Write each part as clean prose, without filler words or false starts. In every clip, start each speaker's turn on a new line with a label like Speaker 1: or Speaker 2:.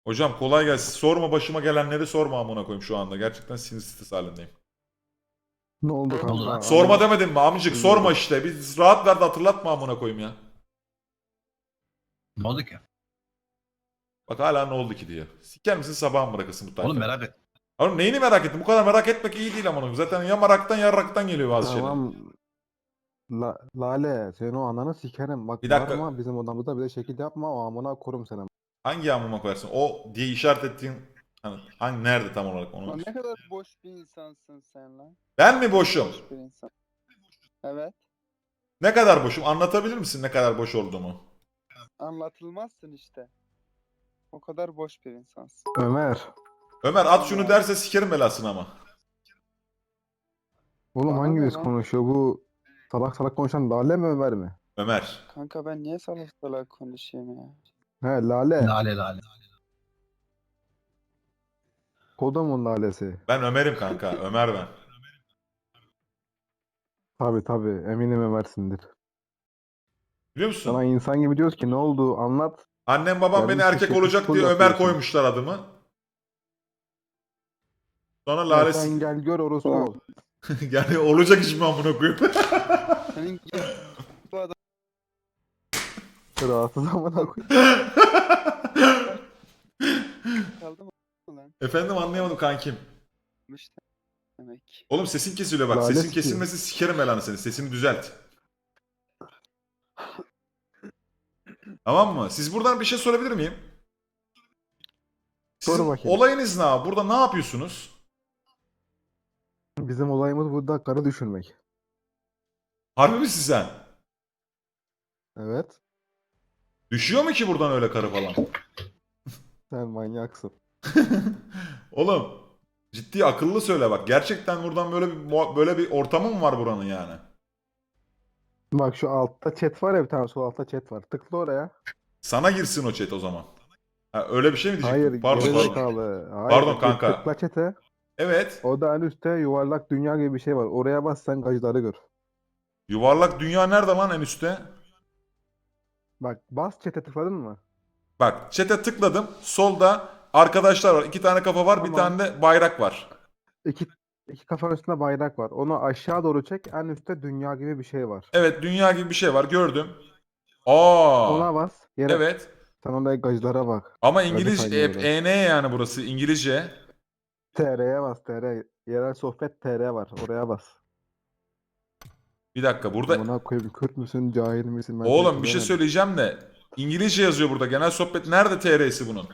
Speaker 1: Hocam kolay gelsin. Sorma başıma gelenleri sorma amına koyayım şu anda. Gerçekten sinir stres halindeyim.
Speaker 2: Ne oldu
Speaker 3: Ne oldu
Speaker 2: kanka?
Speaker 3: lan?
Speaker 1: Sorma demedim mi amcık? Sorma
Speaker 2: Dinliyorum.
Speaker 1: işte. Biz rahat ver de hatırlatma amına koyayım ya.
Speaker 3: Ne oldu ki?
Speaker 1: Bak hala ne oldu ki diyor. Siker misin sabah mı bırakırsın bu tayfa?
Speaker 3: Oğlum merak et.
Speaker 1: Oğlum neyini merak ettin? Bu kadar merak etmek iyi değil amına koyayım. Zaten ya meraktan ya raktan geliyor bazı şeyler.
Speaker 2: Tamam. Lale senin o ananı sikerim. Bak
Speaker 1: Bir dakika.
Speaker 2: bağırma bizim odamızda bir de şekil yapma o amına korum seni.
Speaker 1: Hangi amıma koyarsın? O diye işaret ettiğin hangi nerede tam olarak onu?
Speaker 4: Lan ne kadar boş bir insansın sen lan.
Speaker 1: Ben mi boşum?
Speaker 4: Boş bir insan. Evet.
Speaker 1: Ne kadar boşum? Anlatabilir misin ne kadar boş olduğumu?
Speaker 4: Anlatılmazsın işte. O kadar boş bir insansın.
Speaker 2: Ömer.
Speaker 1: Ömer at şunu derse sikerim belasını ama.
Speaker 2: Oğlum
Speaker 4: Bana ne
Speaker 2: hanginiz
Speaker 4: lan?
Speaker 2: konuşuyor? Bu salak salak konuşan Lale mi Ömer mi?
Speaker 1: Ömer.
Speaker 4: Kanka ben niye salak salak konuşayım ya?
Speaker 2: He Lale.
Speaker 3: Lale lale.
Speaker 2: Kodumun Lalesi.
Speaker 1: Ben Ömer'im kanka. Ömer ben.
Speaker 2: Tabi eminim Ömer'sindir.
Speaker 1: Biliyor musun?
Speaker 2: Sana insan gibi diyoruz ki ne oldu anlat.
Speaker 1: Annem babam beni
Speaker 2: Gelmiş
Speaker 1: erkek
Speaker 2: şekil
Speaker 1: olacak
Speaker 2: şukul
Speaker 1: diye Ömer
Speaker 2: yapıyorsun.
Speaker 1: koymuşlar adımı. Sonra
Speaker 2: Ya
Speaker 1: Lale
Speaker 2: sen gel gör orospu ol.
Speaker 1: yani olacak iş mi amına koyayım?
Speaker 4: Senin gibi bu adam
Speaker 2: Rahatsız amına koy.
Speaker 4: kaldı mı lan?
Speaker 1: Efendim anlayamadım kankim.
Speaker 4: İşte demek.
Speaker 1: Oğlum sesin kesiliyor bak.
Speaker 2: Lale
Speaker 1: Sesin
Speaker 2: sikiyor.
Speaker 1: kesilmesi sikerim belanı seni. Sesini düzelt. Tamam mı? Siz buradan bir şey sorabilir miyim? Sizin
Speaker 2: Sor bakayım.
Speaker 1: olayınız ne abi? Burada ne yapıyorsunuz?
Speaker 2: Bizim olayımız burada karı düşürmek.
Speaker 1: Harbi misin sen?
Speaker 2: Evet.
Speaker 1: Düşüyor mu ki buradan öyle karı falan?
Speaker 2: Sen manyaksın.
Speaker 1: Oğlum ciddi akıllı söyle bak. Gerçekten buradan böyle bir ortamı mı var buranın yani?
Speaker 2: Bak şu altta chat var ya bir tane sol altta chat var. Tıkla oraya.
Speaker 1: Sana girsin o chat o zaman. Ha, öyle bir şey mi diyecektim?
Speaker 2: Hayır
Speaker 1: Pardon pardon.
Speaker 2: gerizekalı. Hayır,
Speaker 1: Pardon kanka.
Speaker 2: Tıkla chat'e.
Speaker 1: Evet.
Speaker 2: O da en üstte yuvarlak dünya gibi bir şey var. Oraya bas sen gacıları gör.
Speaker 1: Yuvarlak dünya nerede lan en üstte?
Speaker 2: Bak bas chat'e tıkladın mı?
Speaker 1: Bak chat'e tıkladım. Solda arkadaşlar var. 2 tane kafa var. Bir
Speaker 2: Tamam.
Speaker 1: tane de bayrak var.
Speaker 2: İki kafanın üstünde bayrak var. Onu aşağı doğru çek. En üstte dünya gibi bir şey var.
Speaker 1: Evet dünya gibi bir şey var. Gördüm. Aa.
Speaker 2: Ona bas. Yere
Speaker 1: Evet.
Speaker 2: sen oraya gacılara bak.
Speaker 1: Ama
Speaker 2: Gacı
Speaker 1: İngilizce
Speaker 2: kaynıyor.
Speaker 1: EN yani burası İngilizce.
Speaker 2: TR'ye bas TR. Yerel sohbet TR var. Oraya bas.
Speaker 1: Bir dakika burada
Speaker 2: Buna koyayım Kürt müsün cahil misin? Ben
Speaker 1: oğlum
Speaker 2: seni
Speaker 1: bir şey
Speaker 2: bilemedim.
Speaker 1: söyleyeceğim de İngilizce yazıyor burada. Genel sohbet nerede TR'si bunun?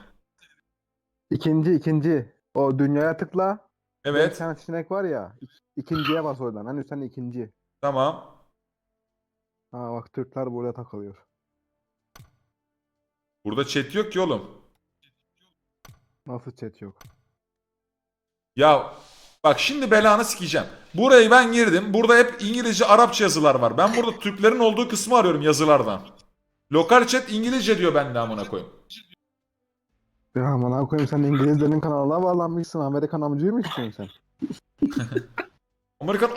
Speaker 2: İkinci. O dünyaya tıkla. Bir
Speaker 1: Evet.
Speaker 2: tane seçenek var ya. İkinciye bas oradan. Hani sen ikinci.
Speaker 1: Tamam.
Speaker 2: Ha bak Türkler burada takılıyor.
Speaker 1: Burada chat yok ki oğlum.
Speaker 2: Nasıl chat yok?
Speaker 1: Ya bak şimdi belanı sikeceğim. Burayı ben girdim. Burada hep İngilizce, Arapça yazılar var. Ben burada Türklerin olduğu kısmı arıyorum yazılardan. Lokal chat İngilizce diyor bende amına koyayım.
Speaker 2: Ya aman koyayım sen İngilizlerin kanalına bağlanmışsın. Amerikan amcıyı mı istiyorsun sen?
Speaker 1: Amerikan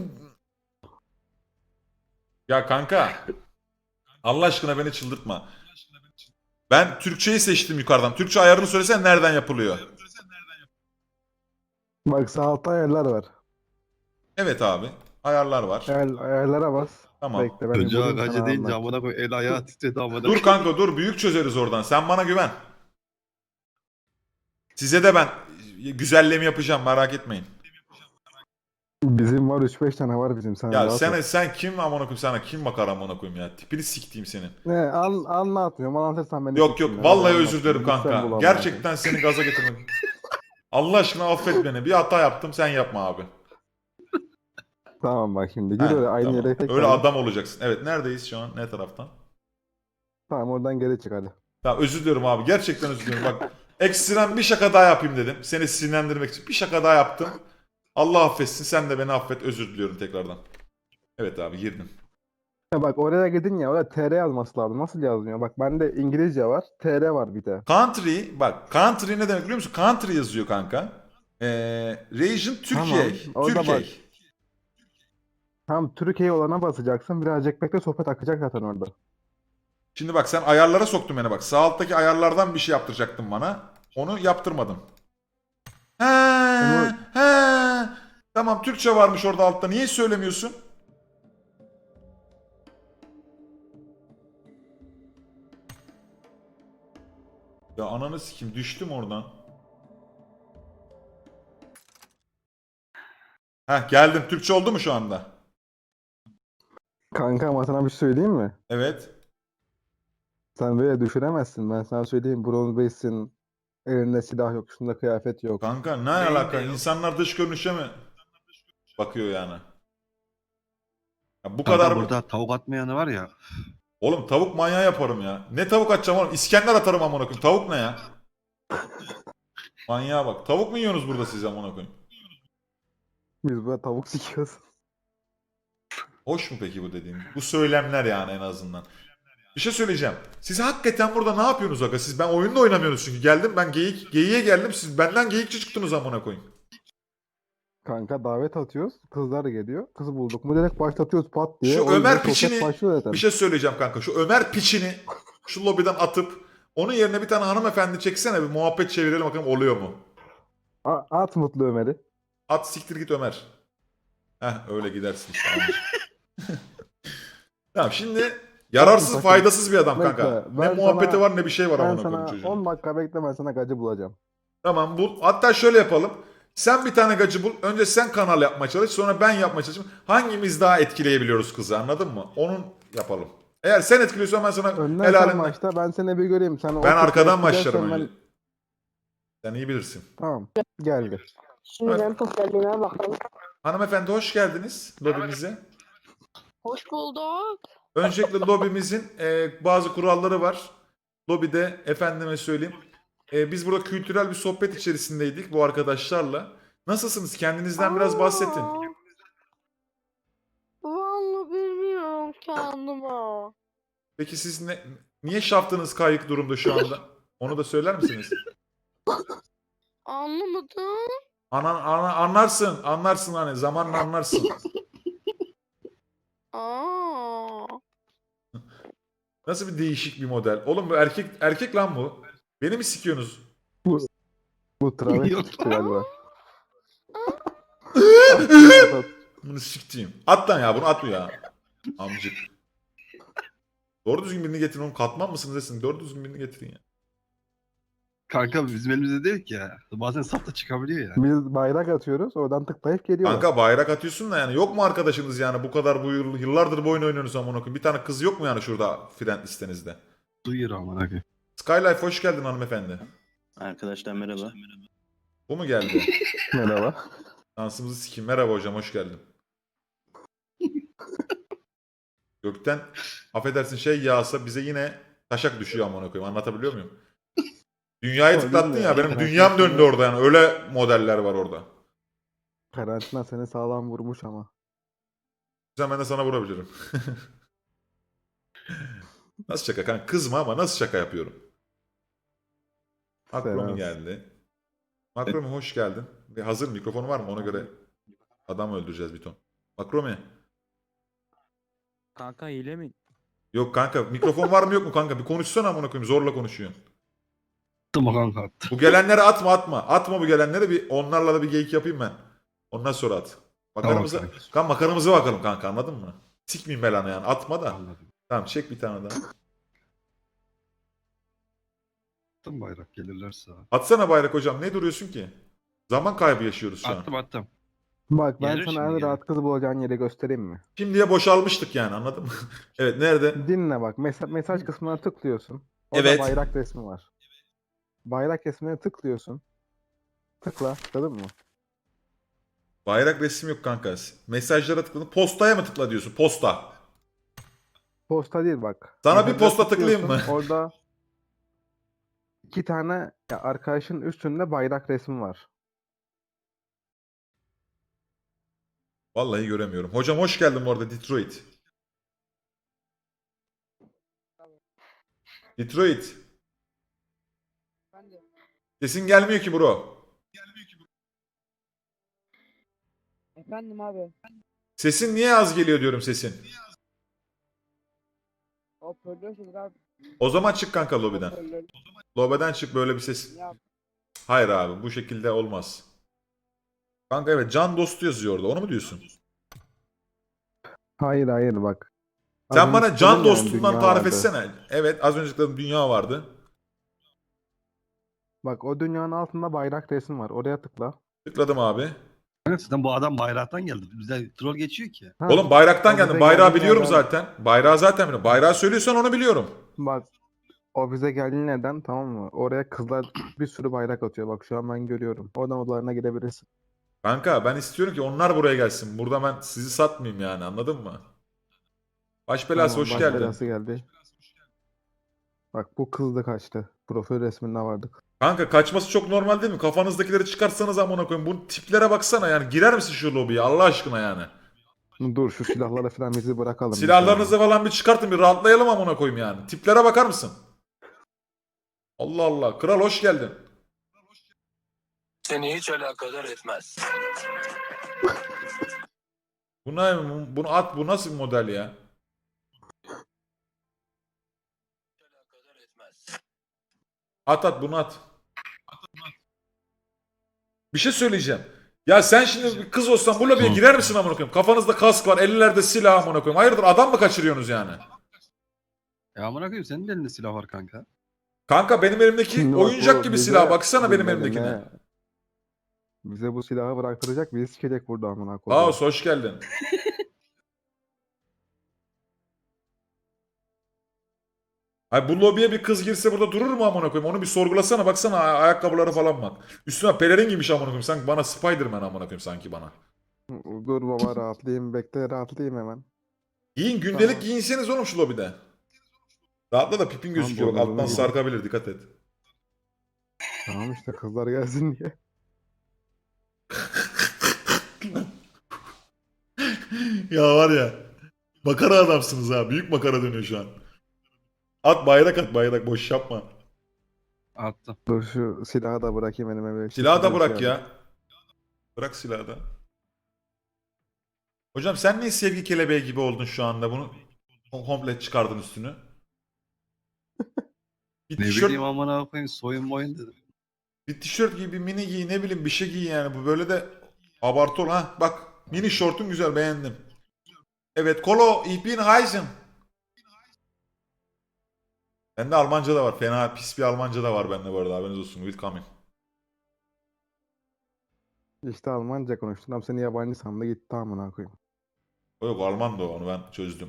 Speaker 1: Ya kanka. Allah aşkına beni çıldırtma. Ben Türkçeyi seçtim yukarıdan. Türkçe ayarını söylesen nereden yapılıyor?
Speaker 2: Bak sağ altta ayarlar var.
Speaker 1: Evet abi. Ayarlar var.
Speaker 2: Ayarlara bas.
Speaker 1: Tamam.
Speaker 2: Bekle ben
Speaker 5: Çocuğa
Speaker 2: bulayım
Speaker 5: gacı
Speaker 2: sana
Speaker 5: deyince
Speaker 2: anlat.
Speaker 5: amına koy el ayağı titredi amına
Speaker 1: Dur kanka dur. Büyük çözeriz oradan. Sen bana güven. Size de ben güzelliğimi yapacağım. Merak etmeyin.
Speaker 2: Bizim var 3-5 tane var bizim. Sen
Speaker 1: Ya
Speaker 2: rahat ol.
Speaker 1: sen kim amına koyayım sana kim bakar amına koyayım ya. Tipini siktiğim senin.
Speaker 2: Ne anlatmıyorum. Anlatırsan beni
Speaker 1: Yok
Speaker 2: siksinler.
Speaker 1: yok vallahi
Speaker 2: Hadi
Speaker 1: özür
Speaker 2: anlat.
Speaker 1: dilerim
Speaker 2: Lütfen bul
Speaker 1: kanka.
Speaker 2: amına
Speaker 1: Gerçekten seni gaza getirmedim. Allah aşkına affet beni. Bir hata yaptım sen yapma abi.
Speaker 2: koyayım. Tamam bak şimdi. Gir
Speaker 1: Heh,
Speaker 2: öyle aynı
Speaker 1: tamam.
Speaker 2: yere tekrar.
Speaker 1: Öyle adam olacaksın. Evet neredeyiz şu an? Ne taraftan?
Speaker 2: Tamam oradan geri çık hadi.
Speaker 1: Tamam özür diliyorum abi. Gerçekten özür diliyorum. Bak ekstrem bir şaka daha yapayım dedim. Seni sinirlendirmek için. Bir şaka daha yaptım. Allah affetsin. Sen de beni affet. Özür diliyorum tekrardan. Evet abi girdim.
Speaker 2: Ya bak oraya gidin ya. Orada TR yazması lazım. Nasıl yazmıyor? Bak bende İngilizce var. TR var bir de.
Speaker 1: Country bak country ne demek biliyor musun? Country yazıyor kanka. Region Türkiye.
Speaker 2: Tamam, orada
Speaker 1: Türkiye.
Speaker 2: bak. Tam Türkiye olana basacaksın. Birazcık bekle sohbet akacak zaten orada.
Speaker 1: Şimdi bak sen ayarlara soktun beni bak. Sağ alttaki ayarlardan bir şey yaptıracaktın bana. Onu yaptırmadım. He,
Speaker 2: Onu-
Speaker 1: he. Tamam, Türkçe varmış orada altta. Niye söylemiyorsun? Ya ananı sikeyim, düştüm oradan. Heh, geldim. Türkçe oldu mu şu anda?
Speaker 2: Kanka ama sana bir şey söyleyeyim mi?
Speaker 1: Evet.
Speaker 2: Sen böyle düşüremezsin. Ben sana söyleyeyim. Bronz Base'in elinde silah yok. Üstünde kıyafet yok.
Speaker 1: Kanka ne
Speaker 3: Beyin
Speaker 1: alaka?
Speaker 3: de yok.
Speaker 1: İnsanlar dış görünüşe mi bakıyor yani? Ya bu
Speaker 3: Kanka
Speaker 1: kadar mı?
Speaker 3: burada tavuk atmayanı var ya.
Speaker 1: Oğlum tavuk manyağı yaparım ya. Ne tavuk atacağım oğlum? İskender atarım amına koyayım. Tavuk ne ya? Manyağa bak. Tavuk mu yiyorsunuz burada siz amına koyayım?
Speaker 2: Biz burada tavuk sikiyoruz.
Speaker 1: Hoş mu peki bu dediğim? Bu söylemler yani en azından. Bir şey söyleyeceğim. Siz hakikaten burada ne yapıyorsunuz aga? Siz ben oyunda oynamıyorsunuz çünkü. Geldim ben geyiğe geldim. Siz benden geyikçi çıktınız amına koyayım.
Speaker 2: Kanka davet atıyoruz. Kızlar geliyor. Kızı bulduk mu direkt başlatıyoruz pat diye.
Speaker 1: Şu
Speaker 2: O yüzden
Speaker 1: Ömer
Speaker 2: sohbet
Speaker 1: piçini
Speaker 2: başlıyor zaten.
Speaker 1: bir şey söyleyeceğim kanka. Şu Ömer piçini şu lobiden atıp onun yerine bir tane hanımefendi çeksene, bir muhabbet çevirelim bakalım oluyor mu?
Speaker 2: At Mutlu Ömer'i.
Speaker 1: At siktir git Ömer. Heh öyle gidersin işte. Anladım. Tamam şimdi yararsız
Speaker 2: Bakın,
Speaker 1: faydasız bir adam
Speaker 2: bekle,
Speaker 1: kanka. Ne
Speaker 2: ben
Speaker 1: muhabbeti
Speaker 2: sana-
Speaker 1: var ne bir şey var
Speaker 2: Ben
Speaker 1: amına koyayım
Speaker 2: sana
Speaker 1: çocuğun.
Speaker 2: 10 dakika bekle, ben sana gacı bulacağım.
Speaker 1: Tamam bul. Hatta şöyle yapalım. Sen bir tane gacı bul. Önce sen kanal yapmaya çalış. Sonra ben yapmaya çalışayım. Hangimiz daha etkileyebiliyoruz kızı, anladın mı? Onun yapalım. Eğer sen etkiliyorsan ben sana
Speaker 2: Önden sen
Speaker 1: helalinden...
Speaker 2: başla, ben seni bir göreyim. Sen o
Speaker 1: Ben arkadan
Speaker 2: kızı
Speaker 1: başlarım
Speaker 2: etkilersen
Speaker 1: önce. Sen iyi bilirsin.
Speaker 2: Tamam, geldi.
Speaker 5: Şimdi ben popülerliğime bakalım.
Speaker 1: Hanımefendi hoş geldiniz lobimize.
Speaker 5: Hoş bulduk.
Speaker 1: Öncelikle lobimizin bazı kuralları var. Lobide efendime söyleyeyim. Biz burada kültürel bir sohbet içerisindeydik bu arkadaşlarla. Nasılsınız? Kendinizden biraz bahsedin.
Speaker 5: Vallahi bilmiyorum kendime.
Speaker 1: Peki siz niye şaftınız kayık durumda şu anda? Onu da söyler misiniz?
Speaker 5: Anlamadım.
Speaker 1: Anlarsın hani zamanla anlarsın.
Speaker 5: Aa.
Speaker 1: Nasıl bir değişik bir model. Oğlum bu erkek lan bu. Beni mi sikiyorsunuz?
Speaker 2: Bu travesti
Speaker 3: Yok.
Speaker 2: çıktı galiba.
Speaker 1: Bunu siktiğim. At lan ya, bunu at ya. Amcık. Doğru düzgün birini getirin oğlum. Katman mısınız desin. Doğru düzgün birini getirin ya.
Speaker 3: Kanka bizim elimizde değil ki ya. Bazen sap da çıkabiliyor ya.
Speaker 2: Biz bayrak atıyoruz, oradan tıklayıp geliyorlar.
Speaker 1: Kanka bayrak atıyorsun da yani yok mu arkadaşınız yani bu kadar yıllardır bu oyunu oynuyorsunuz amına koyayım. Bir tane kız yok mu yani şurada friend listenizde?
Speaker 3: Duyuyor aman abi.
Speaker 1: Skylife hoş geldin hanımefendi.
Speaker 6: Arkadaşlar merhaba.
Speaker 1: Bu mu geldi?
Speaker 2: Merhaba.
Speaker 1: Dansımızı sikeyim. Merhaba hocam hoş geldin. Gökten affedersin şey yağsa bize yine taşak düşüyor amına koyayım. Anlatabiliyor muyum? Dünyayı
Speaker 2: Öyle
Speaker 1: tıklattın
Speaker 2: mi
Speaker 1: ya
Speaker 2: ya?
Speaker 1: benim
Speaker 2: Ben
Speaker 1: dünyam
Speaker 2: aslında-
Speaker 1: döndü orada yani. Öyle modeller var orada.
Speaker 2: Karantina seni sağlam vurmuş ama.
Speaker 1: Sen ben de sana vurabilirim. Nasıl şaka kanka? Kızma ama nasıl şaka yapıyorum? Makromi
Speaker 2: Selam.
Speaker 1: geldi. Makromi hoş geldin. Bir hazır mikrofonu var mı? Ona göre adam öldüreceğiz bir ton. Makromi.
Speaker 7: Kanka hile mi?
Speaker 1: Yok kanka mikrofon var mı yok mu kanka? Bir konuşsana amına koyayım. Zorla konuşuyorsun.
Speaker 3: Attım o kanka attı.
Speaker 1: Bu gelenlere atma. Atma bu gelenlere, bir onlarla da bir geyik yapayım ben. Ondan sonra at. Makaramıza,
Speaker 3: Tamam kanka.
Speaker 1: kan makaramıza bakalım kanka, anladın mı? Sikmeyeyim belanı yani. Atma da.
Speaker 3: Anladım.
Speaker 1: Tamam çek bir tane daha.
Speaker 3: Attım bayrak gelirlerse.
Speaker 1: Atsana bayrak hocam. Ne duruyorsun ki? Zaman kaybı yaşıyoruz şu an.
Speaker 3: Attım.
Speaker 2: Bak ben
Speaker 3: Gelir
Speaker 2: sana
Speaker 3: şimdi
Speaker 2: en
Speaker 3: gelir.
Speaker 2: rahat kızı bulacağın yeri göstereyim mi?
Speaker 1: Şimdiye boşalmıştık yani, anladın mı? Evet nerede?
Speaker 2: Dinle bak. Mesaj kısmına tıklıyorsun. Orada
Speaker 1: Evet.
Speaker 2: bayrak resmi var. Bayrak resmine tıklıyorsun. Tıkla. Tıkladın mı?
Speaker 1: Bayrak resim yok kanka. Mesajlara tıkladın. Postaya mı tıkla diyorsun? Posta.
Speaker 2: Posta değil bak.
Speaker 1: Sana bir
Speaker 2: Mesajlara
Speaker 1: posta tıklayayım
Speaker 2: tıklıyorsun,
Speaker 1: mı?
Speaker 2: Orada 2 tane ya arkadaşın üstünde bayrak resmi var.
Speaker 1: Vallahi göremiyorum. Hocam hoş geldin bu arada Detroit. Detroit.
Speaker 5: Ben de.
Speaker 1: Sesin gelmiyor ki bro.
Speaker 5: Efendim abi.
Speaker 1: Sesin niye az geliyor diyorum sesin.
Speaker 5: Hoparlörsüz abi.
Speaker 1: O zaman çık kanka lobiden.
Speaker 5: Hoparlör.
Speaker 1: Lobiden çık, böyle bir ses.
Speaker 5: Ya
Speaker 1: Hayır abi bu şekilde olmaz. Kanka evet can dostu yazıyor orada. Onu mu diyorsun?
Speaker 2: Hayır hayır bak. Az
Speaker 1: Sen
Speaker 2: önce
Speaker 1: bana can
Speaker 2: söyledim ya,
Speaker 1: dostundan
Speaker 2: dünya
Speaker 1: tarif
Speaker 2: vardı.
Speaker 1: etsene. Evet az önce dedim dünya vardı.
Speaker 2: Bak o dünyanın altında bayrak resmi var. Oraya tıkla.
Speaker 1: Tıkladım abi.
Speaker 3: Kanka zaten bu adam bayraktan geldi. Bize troll geçiyor ki.
Speaker 2: Ha,
Speaker 1: Oğlum bayraktan
Speaker 2: o
Speaker 1: geldim.
Speaker 2: bize
Speaker 1: Bayrağı
Speaker 2: geldiğin
Speaker 1: biliyorum
Speaker 2: yerden
Speaker 1: zaten. Bayrağı zaten biliyorum. Bayrağı söylüyorsan onu biliyorum.
Speaker 2: bak o bize geldiğin neden tamam mı? Oraya kızlar bir sürü bayrak atıyor. Bak şu an ben görüyorum. Oradan odalarına girebilirsin.
Speaker 1: Kanka ben istiyorum ki onlar buraya gelsin. Burada ben sizi satmayayım yani anladın mı? Baş belası
Speaker 2: Tamam
Speaker 1: hoş
Speaker 2: baş
Speaker 1: geldin.
Speaker 2: belası geldi. Bak bu kız da kaçtı. Profil resminde vardık.
Speaker 1: Kanka kaçması çok normal değil mi? Kafanızdakileri çıkartsanız amına koyayım. Bu tiplere baksana yani. Girer misin şu lobiye Allah aşkına yani?
Speaker 2: Dur şu silahları falan bizi bırakalım. bir
Speaker 1: Silahlarınızı
Speaker 2: saniye.
Speaker 1: falan bir çıkartın bir rahatlayalım amına koyayım yani. Tiplere bakar mısın? Allah Allah. Kral hoş geldin.
Speaker 7: Seni hiç alakadar etmez.
Speaker 1: Bu ne? Bunu at. Bu nasıl bir model ya?
Speaker 7: Alakadar etmez.
Speaker 1: At bunu at. Bir şey söyleyeceğim. Ya sen şimdi bir kız olsan bu lobiye
Speaker 3: Hı.
Speaker 1: girer misin amına koyayım? Kafanızda kask var, ellerde silah amına koyayım. Hayırdır adam mı kaçırıyorsunuz yani?
Speaker 3: Ya amına koyayım senin de elinde silah var kanka.
Speaker 1: Kanka benim elimdeki
Speaker 2: Şimdi bak
Speaker 1: oyuncak
Speaker 2: bu
Speaker 1: gibi
Speaker 2: bize
Speaker 1: silah. Baksana benim
Speaker 2: dinle
Speaker 1: elimdekine.
Speaker 2: dinle. Bize bu silahı bıraktıracak bizi sikecek burada amına koyduğum.
Speaker 1: Kaos hoş geldin. Ay bu lobiye bir kız girse burada durur mu amına koyayım? Onu bir sorgulasana baksana ayakkabıları falan bak. Üstüne pelerin giymiş amına koyayım. Sanki bana Spider-Man amına koyayım sanki bana.
Speaker 2: Dur baba rahatlayayım. Bekle rahatlayayım hemen.
Speaker 1: Giyin gündelik
Speaker 2: Tamam.
Speaker 1: giyinseniz oğlum şu lobide. Rahatla da pipin
Speaker 2: Tamam,
Speaker 1: gözüküyor. Bak
Speaker 2: bornozumu
Speaker 1: alttan
Speaker 2: giydim.
Speaker 1: sarkabilir dikkat et.
Speaker 2: Tamam işte kızlar gelsin diye.
Speaker 1: Ya var ya. Makara adamsınız ha. Büyük makara dönüyor şu an. At bayrak boş yapma.
Speaker 3: Attım.
Speaker 2: Dur şu silahı da bırakayım elime.
Speaker 1: Silahı da
Speaker 2: Bir
Speaker 1: bırak
Speaker 2: şey
Speaker 1: ya. Bırak silahı da. Hocam sen niye sevgi kelebeği gibi oldun şu anda? Bunu komple çıkardın üstünü. Bir
Speaker 3: Ne
Speaker 1: tişört,
Speaker 3: bileyim amına koyayım soyun moyun dedim.
Speaker 1: bir tişört giy, bir mini giy, ne bileyim bir şey giy yani. Bu böyle de abartı ol ha. Bak mini şortun güzel beğendim. Evet, Kolo, ich bin Heisen. Bende Almanca da var. Fena pis bir Almanca da var bende bu arada. Haberiniz olsun. Willkommen.
Speaker 2: İşte Almanca konuştun. Ama seni yabancı sandı gitti amına koyayım.
Speaker 1: O yok Alman da o. Onu ben çözdüm.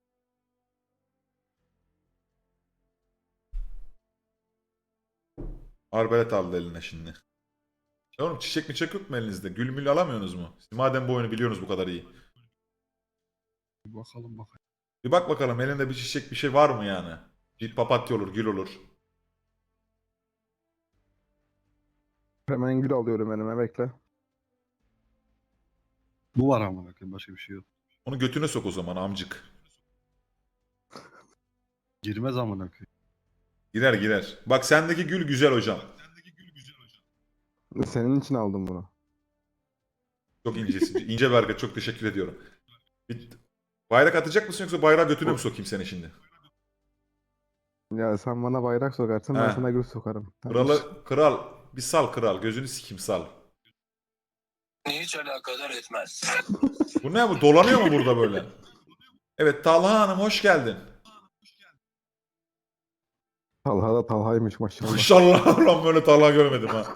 Speaker 1: Arbelet aldı eline şimdi. Oğlum çiçek mi yok mu elinizde? Gül mül alamıyorsunuz mu? Siz madem bu oyunu biliyorsunuz bu kadar iyi.
Speaker 3: Bir bakalım bakalım.
Speaker 1: Bir bak bakalım elinde bir çiçek bir şey var mı yani? Bir papatya olur, gül olur.
Speaker 2: Hemen gül alıyorum elime bekle.
Speaker 3: Bu var amına koyayım başka bir şey yok.
Speaker 1: Onu götüne sok o zaman amcık.
Speaker 3: Girmez amına koyayım.
Speaker 1: Girer girer. Bak sendeki gül güzel hocam.
Speaker 2: Senin için aldım bunu.
Speaker 1: Çok incesin. İnce bir hareket. Çok teşekkür ediyorum. Bir bayrak atacak mısın yoksa bayrağı götüne mi sokayım seni şimdi?
Speaker 2: Ya sen bana bayrak sokarsın ben
Speaker 1: He.
Speaker 2: sana gül sokarım. Tamam.
Speaker 1: Kral bir sal kral. Gözünü sikeyim sal.
Speaker 7: Seni hiç alakadar etmez.
Speaker 1: Bu ne bu? Dolanıyor mu burada böyle? Evet Talha Hanım hoş geldin.
Speaker 2: Talha da Talha'ymış maşallah.
Speaker 1: Maşallah lan böyle Talha görmedim ha.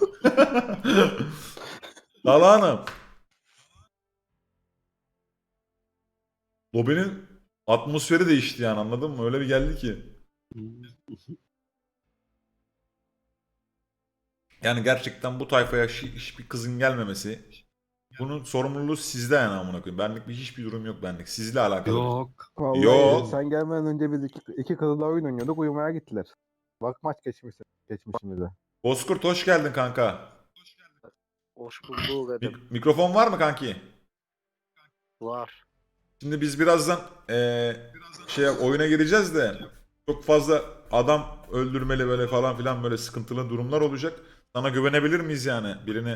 Speaker 1: Talha Hanım. Lobinin atmosferi değişti yani anladın mı? Öyle bir geldi ki. Yani gerçekten bu tayfaya hiçbir kızın gelmemesi. Bunun sorumluluğu sizde yani amına koyayım. Benlik hiçbir durum yok benlik. Sizle alakalı.
Speaker 3: Yok.
Speaker 2: Vallahi
Speaker 1: Yo.
Speaker 2: sen gelmeden önce biz iki kızla oyun oynuyorduk uyumaya gittiler. Bak maç geçmişimize.
Speaker 1: Bozkurt hoş geldin kanka.
Speaker 8: Hoş bulduk dedim.
Speaker 1: Mikrofon var mı kanki?
Speaker 8: Var.
Speaker 1: Şimdi biz birazdan oyuna gireceğiz de çok fazla adam öldürmeli böyle falan filan böyle sıkıntılı durumlar olacak. Sana güvenebilir miyiz yani birini?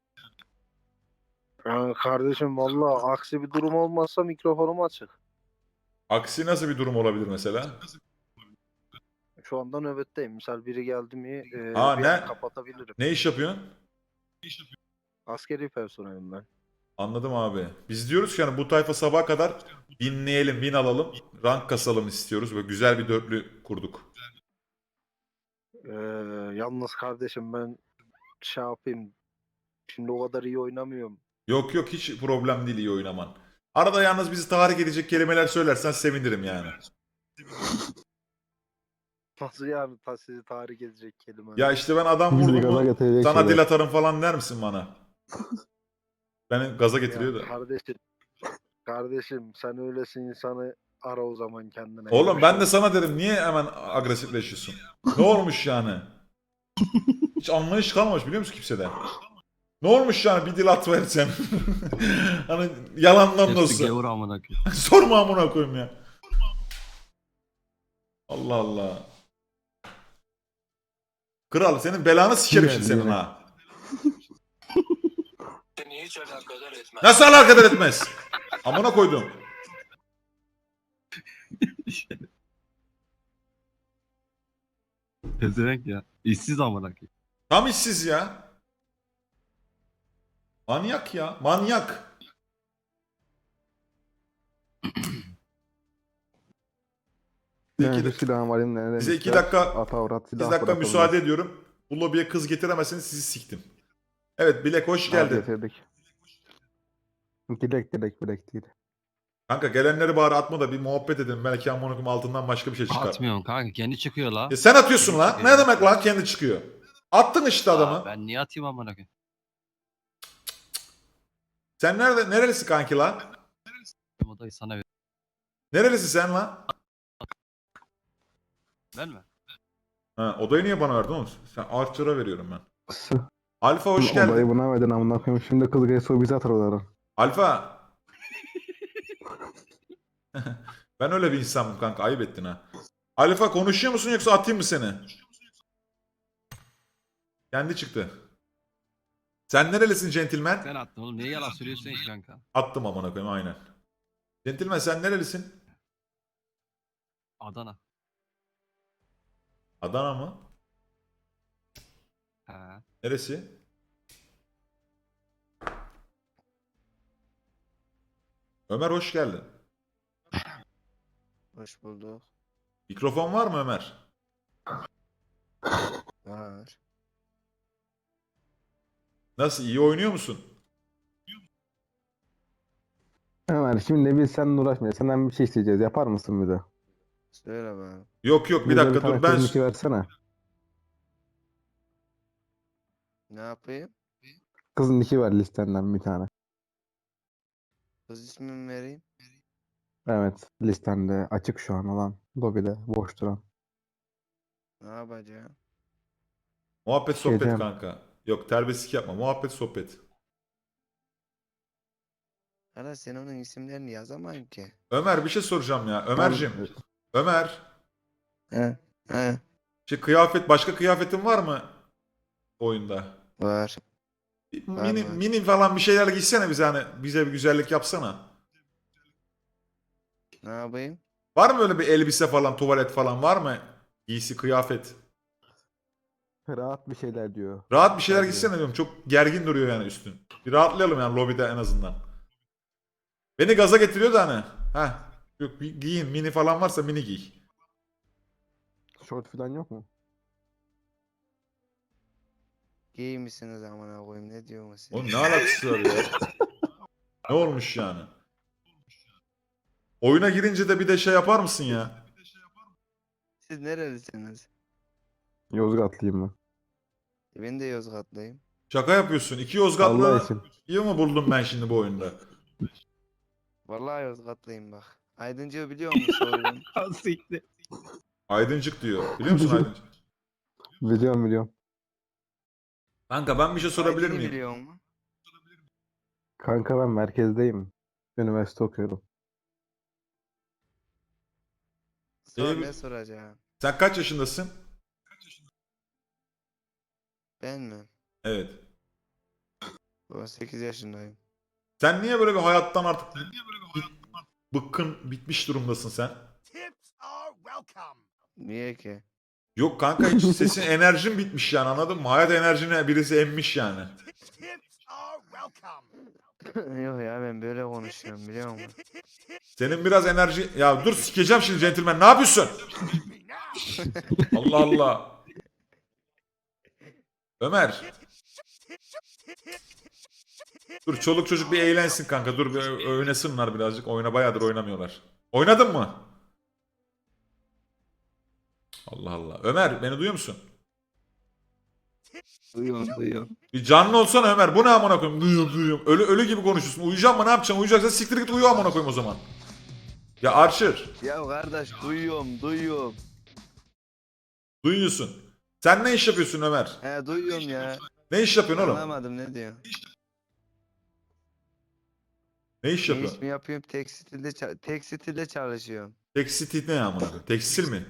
Speaker 8: Yani kardeşim valla aksi bir durum olmazsa mikrofonum açık.
Speaker 1: Aksi nasıl bir durum olabilir mesela?
Speaker 8: şu anda nöbetteyim. Misal biri geldi mi
Speaker 1: Aa,
Speaker 8: bir
Speaker 1: ne?
Speaker 8: an kapatabilirim.
Speaker 1: Ne iş yapıyorsun?
Speaker 8: Askeri personelim ben.
Speaker 1: Anladım abi. Biz diyoruz ki hani bu tayfa sabaha kadar dinleyelim, win alalım, rank kasalım istiyoruz. Böyle güzel bir dörtlü kurduk.
Speaker 8: Yalnız kardeşim ben şey yapayım. Şimdi o kadar iyi oynamıyorum.
Speaker 1: Yok yok, hiç problem değil iyi oynaman. Arada yalnız bizi tahrik edecek kelimeler söylersen sevinirim yani.
Speaker 8: Nasıl yani sizi tahrik edecek kelime?
Speaker 1: Ya işte ben adam
Speaker 2: Bizi
Speaker 1: vurdum
Speaker 2: gaza
Speaker 1: mu
Speaker 2: getirecek
Speaker 1: sana
Speaker 2: şeyler.
Speaker 1: dil atarım falan der misin bana? Beni gaza getiriyor da.
Speaker 8: Kardeşim sen öylesin insanı ara o zaman kendine.
Speaker 1: Oğlum ben de
Speaker 8: Görüşürüz.
Speaker 1: sana dedim niye hemen agresifleşiyorsun? Ne olmuş yani? Hiç anlayış kalmamış biliyor musun kimsede? Ne olmuş yani bir dil atıversen? Hani yalandan da
Speaker 3: Hepsi
Speaker 1: olsa.
Speaker 3: gavur amına koyayım.
Speaker 1: Sorma amına koyayım ya. Allah Allah. Kral senin belanı sikerim şimdi senin ha.
Speaker 7: Seni hiç alakadar etmez.
Speaker 1: Nasıl alakadar etmez? Amına koydum.
Speaker 3: Pezevenk ya. İşsiz amına koyayım.
Speaker 1: Tam işsiz ya. Manyak ya. Manyak.
Speaker 2: Ben
Speaker 1: İki-
Speaker 2: de silahım var elimde.
Speaker 1: Size 2 dakika
Speaker 2: Ata avrat
Speaker 1: 2
Speaker 2: silah
Speaker 1: dakika
Speaker 2: bırakalım.
Speaker 1: müsaade ediyorum. Bu lobiye kız getiremezseniz sizi siktim. Evet Bilek hoş geldin.
Speaker 2: Getirdik. Dilek değil.
Speaker 1: Kanka gelenleri bari atma da bir muhabbet edin. Belki amına koyayım altından başka bir şey çıkar.
Speaker 3: Atmıyorum kanka kendi çıkıyor la.
Speaker 1: Sen atıyorsun lan.
Speaker 3: Çıkıyor.
Speaker 1: Ne demek lan kendi çıkıyor. Attın işte adamı.
Speaker 3: Aa, ben niye atayım amına koyayım?
Speaker 1: Sen nerelisin kanki lan?
Speaker 3: Odayı sana ver.
Speaker 1: Nerelisin sen lan?
Speaker 3: Ben mi?
Speaker 1: Ha, odayı niye bana verdin oğlum? Sen Archer'a veriyorum ben. Alfa hoş
Speaker 2: Odayı
Speaker 1: geldin.
Speaker 2: buna verdin amına koyayım. Şimdi kız gelse o bizi atar odadan.
Speaker 1: Alfa. Ben öyle bir insanım kanka. Ayıp ettin ha. Alfa konuşuyor musun yoksa atayım mı seni? Kendi çıktı. Sen nerelisin centilmen?
Speaker 3: Sen attın oğlum. Niye yalan söylüyorsun ki kanka?
Speaker 1: Attım amına koyayım aynen. Centilmen sen nerelisin?
Speaker 3: Adana.
Speaker 1: Adana mı?
Speaker 3: He.
Speaker 1: Neresi? Ömer hoş geldin.
Speaker 8: Hoş bulduk.
Speaker 1: Mikrofon var mı Ömer?
Speaker 8: Var.
Speaker 1: Nasıl iyi oynuyor musun?
Speaker 2: Ömer şimdi biz seninle uğraşmayacağız. Senden bir şey isteyeceğiz. Yapar mısın bize?
Speaker 8: Söyle bana.
Speaker 1: Yok yok bir
Speaker 2: Bize
Speaker 1: dakika
Speaker 2: tane
Speaker 1: dur ben
Speaker 2: kızın iki versene.
Speaker 8: Ne yapayım?
Speaker 2: Kızın iki ver listenden bir tane.
Speaker 8: Kız ismimi vereyim.
Speaker 2: Evet listende açık şu an olan. Lobide boş duran.
Speaker 8: Ne yapacağım?
Speaker 1: muhabbet sohbet
Speaker 2: Şeyden-
Speaker 1: kanka. Yok terbiyesizlik yapma. Muhabbet sohbet.
Speaker 8: Hala sen onun isimlerini yazamayın ki.
Speaker 1: Ömer bir şey soracağım ya. Ömer'cim. Ömer.
Speaker 8: He. He.
Speaker 1: Kıyafet başka kıyafetin var mı oyunda?
Speaker 8: Var.
Speaker 1: Mini,
Speaker 8: var.
Speaker 1: mini falan bir şeyler giysene bize hani bize bir güzellik yapsana.
Speaker 8: Ne yapayım?
Speaker 1: Var mı öyle bir elbise falan, tuvalet falan var mı? Giysi, kıyafet.
Speaker 2: Rahat bir şeyler diyor.
Speaker 1: Rahat bir şeyler
Speaker 2: Bence.
Speaker 1: giysene diyorum. Çok gergin duruyor yani üstün. Bir rahatlayalım yani lobide en azından. Beni gaza getiriyor da hani. Heh. Yok bir giyin. Mini falan varsa mini giy.
Speaker 2: Short falan yok mu?
Speaker 8: Gay misiniz amına koyayım ne diyorsun siz?
Speaker 1: Oğlum ne alakası var ya? Ne olmuş yani? Oyuna girince de bir de şey yapar mısın ya?
Speaker 8: Siz nerelisiniz?
Speaker 2: Yozgatlıyım ben.
Speaker 8: Ben de Yozgatlıyım.
Speaker 1: Şaka yapıyorsun. İki
Speaker 2: Allah
Speaker 1: Yozgatlı
Speaker 2: için.
Speaker 1: iyi mi buldum ben şimdi bu oyunda?
Speaker 8: Vallahi Yozgatlıyım bak. Aydıncı'yı biliyor musun soyun?
Speaker 3: Siktir.
Speaker 1: Aydıncık diyor. Biliyor musun Aydıncık?
Speaker 2: Biliyorum.
Speaker 1: Kanka ben bir şey sorabilir
Speaker 8: Aydın'ı
Speaker 1: miyim?
Speaker 8: biliyor musun?
Speaker 2: Kanka ben merkezdeyim. Üniversite okuyorum.
Speaker 8: Sor
Speaker 1: İyi-
Speaker 8: ne soracağım?
Speaker 1: Sen kaç yaşındasın?
Speaker 8: Ben mi?
Speaker 1: Evet.
Speaker 8: 18 yaşındayım.
Speaker 1: Sen niye böyle bir hayattan artık bıkkın bitmiş durumdasın sen?
Speaker 8: Niye ki?
Speaker 1: Yok kanka hiç sesin enerjin bitmiş yani anladın mı? Hayat enerjine birisi emmiş yani.
Speaker 9: Yok ya ben böyle konuşuyorum biliyor musun?
Speaker 1: Senin biraz enerji... Ya dur sikeceğim şimdi centilmen. Ne yapıyorsun? Allah Allah. Ömer. Dur çoluk çocuk bir eğlensin kanka. Dur bir oynasınlar birazcık. Oyuna bayağıdır oynamıyorlar. Oynadın mı? Allah Allah. Ömer beni duyuyor musun?
Speaker 3: Duyuyorum.
Speaker 1: Bir canlı olsana Ömer. Bu ne amına koyayım? Duyuyorum. Ölü gibi konuşuyorsun. Uyuyacağım mı ne yapacaksın? Uyuyacaksan siktir git uyu amına koyayım o zaman. Ya Archer.
Speaker 9: Ya kardeş duyuyorum.
Speaker 1: Duyuyorsun. Sen ne iş yapıyorsun Ömer?
Speaker 9: He duyuyorum ya.
Speaker 1: Ne iş yapıyorsun oğlum?
Speaker 9: Anlamadım ne diyor.
Speaker 1: Ne iş
Speaker 9: Ne
Speaker 1: yapıyorsun?
Speaker 9: iş mi yapıyorum? Tekstilde çalışıyorum.
Speaker 1: Tekstil ne amına koyayım? Tekstil mi?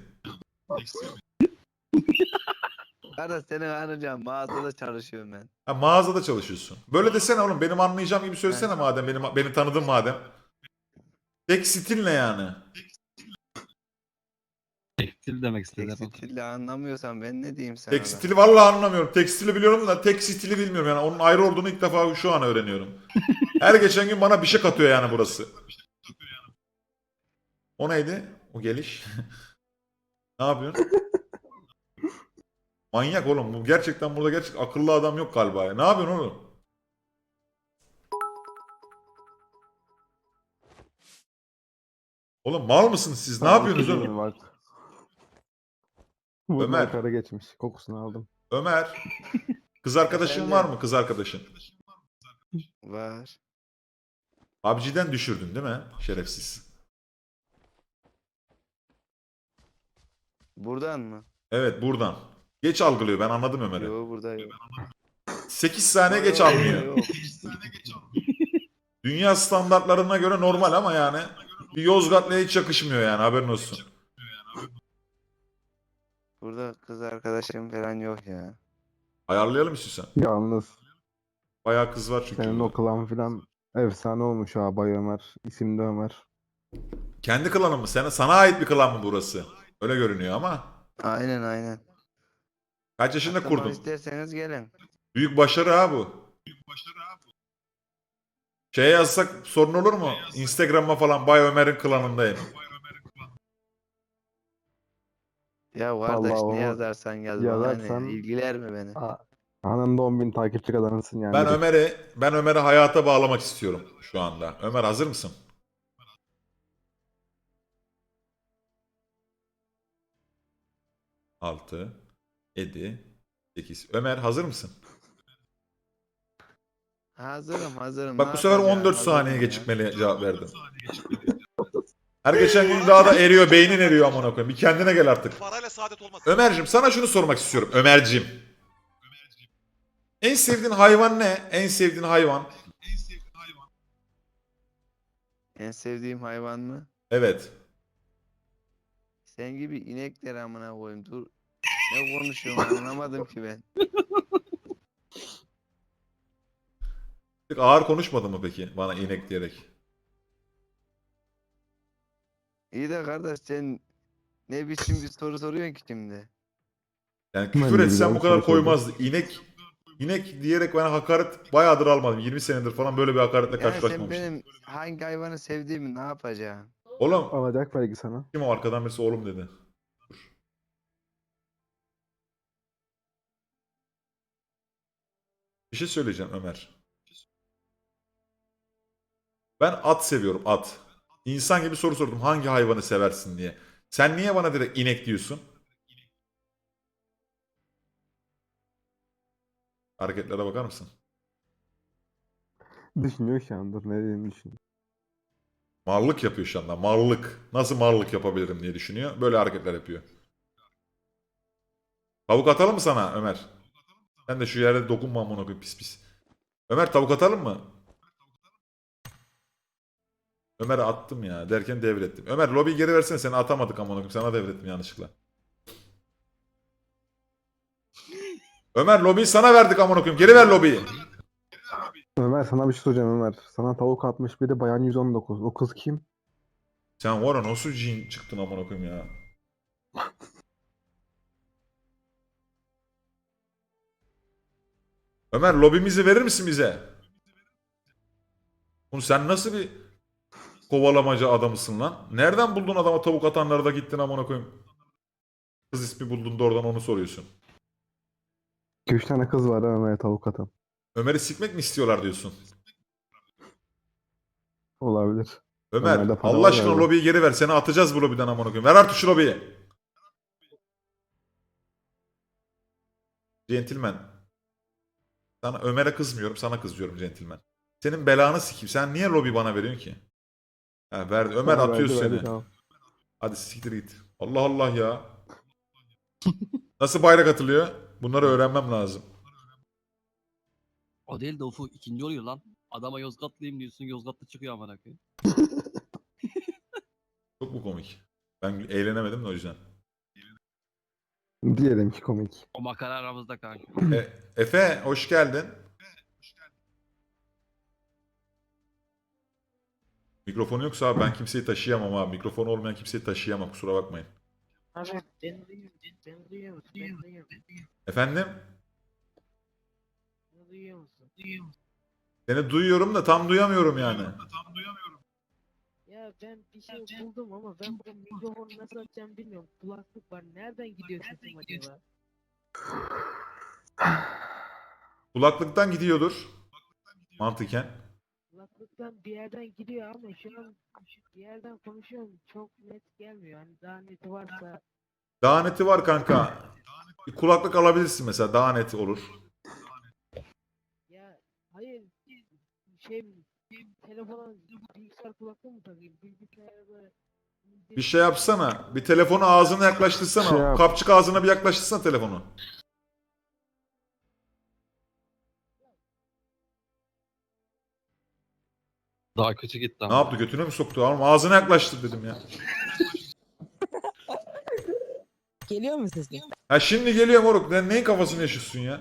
Speaker 9: Kardeş seni anlayacağım. Mağazada çalışıyorum ben.
Speaker 1: Ha, mağazada çalışıyorsun. Böyle desene oğlum. Benim anlayacağım gibi söylesene madem. Beni tanıdın madem. Tekstil ne yani?
Speaker 3: Tekstil demek istedi.
Speaker 9: Tekstilde anlamıyorsan ben ne diyeyim sana?
Speaker 1: Tekstili vallahi anlamıyorum. Tekstili biliyorum da tekstili bilmiyorum yani. Onun ayrı olduğunu ilk defa şu an öğreniyorum. Her geçen gün bana bir şey katıyor yani burası. O neydi? O geliş. Ne yapıyorsun? Manyak oğlum. Bu gerçekten burada akıllı adam yok galiba ya. Ne yapıyorsun oğlum? Oğlum mal mısınız siz? Ne yapıyorsunuz oğlum?
Speaker 2: Bak. Bunlar
Speaker 1: Ömer.
Speaker 2: kara geçmiş. Kokusunu aldım.
Speaker 1: Ömer. Kız arkadaşın
Speaker 9: Efendim?
Speaker 1: var mı? Kız arkadaşın.
Speaker 9: Var.
Speaker 1: PUBG'den düşürdün değil mi? Şerefsiz.
Speaker 9: Buradan mı?
Speaker 1: Evet buradan. Geç algılıyor. Ben anladım Ömer'i.
Speaker 9: Yok burada yok.
Speaker 1: 8 saniye geç
Speaker 9: Yok,
Speaker 1: almıyor.
Speaker 9: yok.
Speaker 1: Dünya standartlarına göre normal ama yani bir Yozgatlı'ya hiç yakışmıyor yani haberin olsun.
Speaker 9: Burada kız arkadaşım falan yok ya.
Speaker 1: Ayarlayalım istiyorsan.
Speaker 2: Yalnız
Speaker 1: Bayağı kız var çünkü.
Speaker 2: senin
Speaker 1: burada.
Speaker 2: o klan filan efsane olmuş ha Bay Ömer. İsim de Ömer.
Speaker 1: Kendi klanın mı? Sana ait bir klan mı burası? Öyle görünüyor ama.
Speaker 9: Aynen.
Speaker 1: Kaç yaşında
Speaker 9: Katılmak
Speaker 1: kurdun?
Speaker 9: isterseniz gelin.
Speaker 1: Büyük başarı ha bu. Şey yazsak sorun olur mu? Instagram'a falan Bay Ömer'in klanındayım.
Speaker 9: Ya kardeş
Speaker 2: Vallahi
Speaker 9: ne
Speaker 2: o
Speaker 9: yazarsan yaz bana
Speaker 2: yazarsan-
Speaker 9: ne ilgiler mi beni?
Speaker 2: Anında 10.000 takipçi kazanırsın yani.
Speaker 1: Ben Ömer'i hayata bağlamak istiyorum şu anda. Ömer hazır mısın? Altı, 7, 8. Ömer hazır mısın?
Speaker 9: Hazırım.
Speaker 1: Bak
Speaker 9: Ne
Speaker 1: bu sefer
Speaker 9: yapacağım?
Speaker 1: 14
Speaker 9: Hazırım
Speaker 1: saniye
Speaker 9: ya.
Speaker 1: gecikmeli cevap verdim. Her geçen gün daha da eriyor, beynin eriyor amına koyayım. Bir kendine gel artık.
Speaker 7: Parayla saadet olmaz.
Speaker 1: Ömer'cim sana şunu sormak istiyorum. Ömer'cim. En sevdiğin hayvan ne? En sevdiğin hayvan.
Speaker 9: En sevdiğim hayvan mı?
Speaker 1: Evet.
Speaker 9: Sen gibi inekler amına koyayım. Dur. Ne konuşuyorum anlamadım ki ben.
Speaker 1: Ağır konuşmadın mı peki bana inek diyerek?
Speaker 9: İyi de kardeş sen ne biçim bir soru soruyorsun ki şimdi?
Speaker 1: Yani
Speaker 2: Ben
Speaker 1: küfür
Speaker 2: de
Speaker 1: etsem
Speaker 2: güzel
Speaker 1: bu kadar
Speaker 2: soru sordum.
Speaker 1: koymazdı. İnek diyerek bana hakaret bayağıdır almadım. 20 senedir falan böyle bir hakaretle
Speaker 9: Yani sen
Speaker 1: karşılaşmamıştım.
Speaker 9: benim hangi hayvanı sevdiğimi ne yapacaksın?
Speaker 1: Oğlum
Speaker 2: Alacak belki sana.
Speaker 1: kim o arkadan birisi oğlum dedi. Dur. Bir şey söyleyeceğim Ömer. Ben at seviyorum at. İnsan gibi soru sordum hangi hayvanı seversin diye. Sen niye bana direkt inek diyorsun? Hareketlere bakar mısın?
Speaker 2: Düşünüyor şu an. Dur ne dediğini düşünüyor.
Speaker 1: Marlık yapıyor şu anda. Marlık. Nasıl marlık yapabilirim diye düşünüyor. Böyle hareketler yapıyor. Tavuk atalım mı sana Ömer? Sen de şu yerde dokunma amına koyayım pis pis. Ömer tavuk atalım mı? Ömer'e attım ya derken devrettim. Ömer lobiyi geri versene seni atamadık amına koyayım. Sana devrettim yanlışlıkla. Ömer lobiyi sana verdik amına koyayım. Geri ver lobiyi.
Speaker 2: Ömer sana bir şey soracağım Ömer. Sana tavuk atmış biri bayan 119. O kız kim?
Speaker 1: Sen var ya nasıl cin çıktın amına koyayım ya. Ömer lobimizi verir misin bize? Oğlum sen nasıl bir kovalamacı adamısın lan? Nereden buldun adama tavuk atanları da gittin amına koyayım? Kız ismi buldun da oradan onu soruyorsun.
Speaker 2: 2-3 tane kız var Ömer'e tavuk atan.
Speaker 1: Ömer'i sikmek mi istiyorlar diyorsun?
Speaker 2: Olabilir.
Speaker 1: Ömer
Speaker 2: Ömer'de para
Speaker 1: Allah
Speaker 2: var
Speaker 1: aşkına
Speaker 2: galiba.
Speaker 1: lobiyi geri ver. Seni atacağız bu lobiden amına koyayım. Ver artık şu lobiyi. Centilmen. Sana Ömer'e kızmıyorum, sana kızıyorum centilmen. Senin belanı sikeyim. Sen niye lobi bana veriyorsun ki? Ha verdi. Ömer
Speaker 2: Ha,
Speaker 1: atıyor
Speaker 2: verdi,
Speaker 1: seni.
Speaker 2: verdi, tamam.
Speaker 1: Hadi siktir git. Allah Allah ya. Nasıl bayrak atılıyor? Bunları öğrenmem lazım.
Speaker 10: O değil de Ufuk ikinci oluyor lan. Adama Yozgatlıyım diyorsun, Yozgatlı çıkıyor amına koyayım.
Speaker 1: Çok mu komik? Ben eğlenemedim de o yüzden.
Speaker 2: Diyelim ki komik.
Speaker 10: O makara aramızda kanka.
Speaker 1: Efe hoş geldin. Mikrofonu yoksa abi ben kimseyi taşıyamam abi. Mikrofonu olmayan kimseyi taşıyamam, kusura bakmayın.
Speaker 5: Abi beni duyuyor musun? Beni duyuyor musun? Beni duyuyor musun?
Speaker 1: Efendim?
Speaker 5: Beni duyuyor musun? Duyuyor musun?
Speaker 1: Seni duyuyorum da tam duyamıyorum yani.
Speaker 5: Ya ben bir şey buldum ama ben bu mikrofonu nasıl açacağım bilmiyorum. Kulaklık var. Nereden gidiyor sesim acaba?
Speaker 1: Kulaklıktan gidiyordur. Mantıken.
Speaker 5: Kulaklıktan bir yerden gidiyor ama şu an bir yerden konuşuyorum. Çok net gelmiyor. Hani daha neti varsa
Speaker 1: Daha neti var kanka. Bir kulaklık alabilirsin mesela, daha net olur.
Speaker 5: ya hayır şey telefona bilgisayar kulaklığı mı takayım? Bilgisayarda
Speaker 1: Bir şey yapsana. Bir telefonu ağzına yaklaştırsana.
Speaker 2: Şey yap.
Speaker 1: Kapçık ağzına bir yaklaştırsana telefonu.
Speaker 10: Daha kötü gitti
Speaker 1: Ne
Speaker 10: ama.
Speaker 1: yaptı? Götüne mi soktu? Oğlum ağzına yaklaştır dedim ya.
Speaker 5: Geliyor mu sesim?
Speaker 1: Ha şimdi geliyor moruk. Sen neyin kafasını yaşıyorsun ya?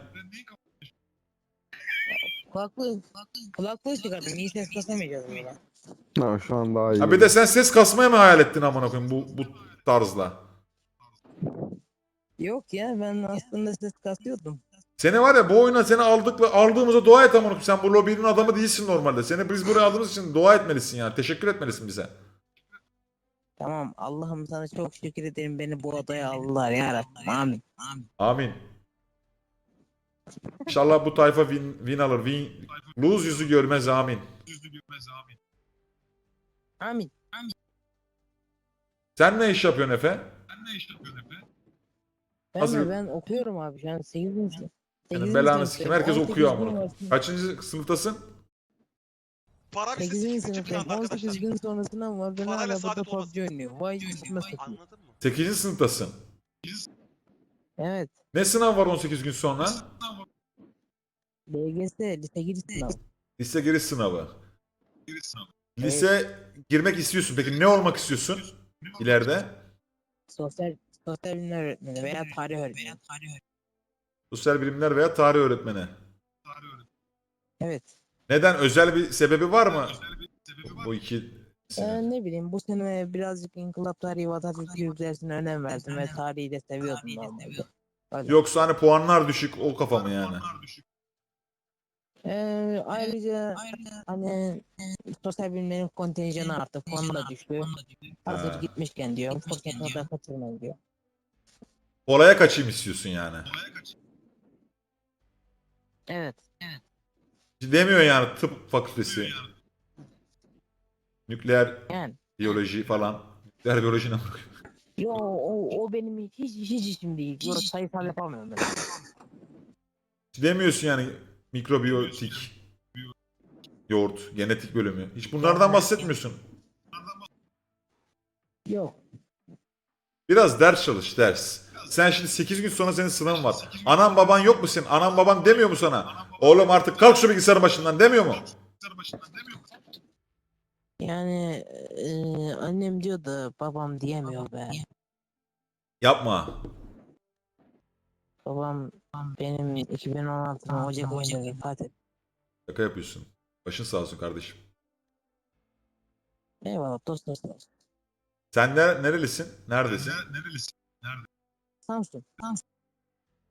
Speaker 5: Kulaklığı çıkardım. İyi ses kasamayacağız burada.
Speaker 2: Ha, şu an daha iyi.
Speaker 1: Ha bir de sen ses kasmaya mı hayal ettin amına koyayım bu tarzla?
Speaker 5: Yok ya ben aslında ses kasıyordum.
Speaker 1: Seni var ya bu oyuna seni aldığımıza dua et amına koyayım. Sen bu lobinin adamı değilsin normalde. Seni biz buraya aldığımız için dua etmelisin yani. Teşekkür etmelisin bize.
Speaker 5: Tamam Allah'ım sana çok şükür ederim beni bu odaya aldılar ya Rabbim. Amin.
Speaker 1: Amin. İnşallah bu tayfa win alır. Lose yüzü görmez amin.
Speaker 5: Amin.
Speaker 1: Sen ne iş yapıyorsun Efe? Hazır-
Speaker 5: Ben okuyorum abi şu an 8. sınıf.
Speaker 1: Senin belanı sikeyim. Herkes okuyor amına koyayım. Kaçıncı sınıftasın?
Speaker 7: Para bir
Speaker 5: 8.
Speaker 7: küçük
Speaker 5: sınıftayım.
Speaker 7: planda
Speaker 5: 18
Speaker 7: arkadaşlar.
Speaker 5: gün sonra sınav var. Ben
Speaker 7: Parayla
Speaker 5: hala burada
Speaker 7: saadet olmaz.
Speaker 5: PUBG oynuyorum. Vay üstüme satayım.
Speaker 7: Anladın mı?
Speaker 1: 8. sınıftasın.
Speaker 5: Evet.
Speaker 1: Ne sınav var 18 gün sonra?
Speaker 5: LGS lise giriş sınavı.
Speaker 1: Lise giriş sınavı. Lise girmek istiyorsun. Peki ne olmak istiyorsun ileride?
Speaker 5: Sosyal bilimler öğretmeni veya tarih öğretmeni.
Speaker 1: Sosyal bilimler veya tarih öğretmeni.
Speaker 5: Evet.
Speaker 1: Neden? Özel bir sebebi var mı? Bu iki
Speaker 5: Ne bileyim bu sene birazcık inkılap tarihi ve Atatürk dersine önem verdim ve tarihi de seviyordum normalde. Öyle.
Speaker 1: Yoksa hani puanlar düşük o kafa mı yani?
Speaker 5: Ayrıca hani sosyal bilimlerin kontenjanı arttı, puanı da düştü. Hazır
Speaker 1: Ha.
Speaker 5: gitmişken diyor, fırsatını da kaçırmayın diyor.
Speaker 1: Kolaya kaçayım istiyorsun yani.
Speaker 5: Evet.
Speaker 1: Demiyor yani tıp fakültesi. Nükleer
Speaker 5: Yani.
Speaker 1: biyoloji falan. Nükleer biyoloji ne bakıyor?
Speaker 5: Yo o benim hiç işim değil. Yo sayısal yapamıyorum ben.
Speaker 1: Demiyorsun yani mikrobiyotik, yoğurt, genetik bölümü. Hiç bunlardan bahsetmiyorsun.
Speaker 5: Yok.
Speaker 1: Biraz ders çalış, ders. Sen şimdi 8 gün sonra senin sınavın var. Anan baban yok mu senin? Anan baban demiyor mu sana? Oğlum artık kalk şu bilgisayarın başından demiyor mu?
Speaker 5: Yani annem diyor da babam diyemiyor be.
Speaker 1: Yapma.
Speaker 5: Babam benim 2016'nın Ocak ayında vefat etti.
Speaker 1: Şaka yapıyorsun. Başın sağ olsun kardeşim.
Speaker 5: Eyvallah dost.
Speaker 1: Sen nerelisin? Neredesin?
Speaker 5: Samsun.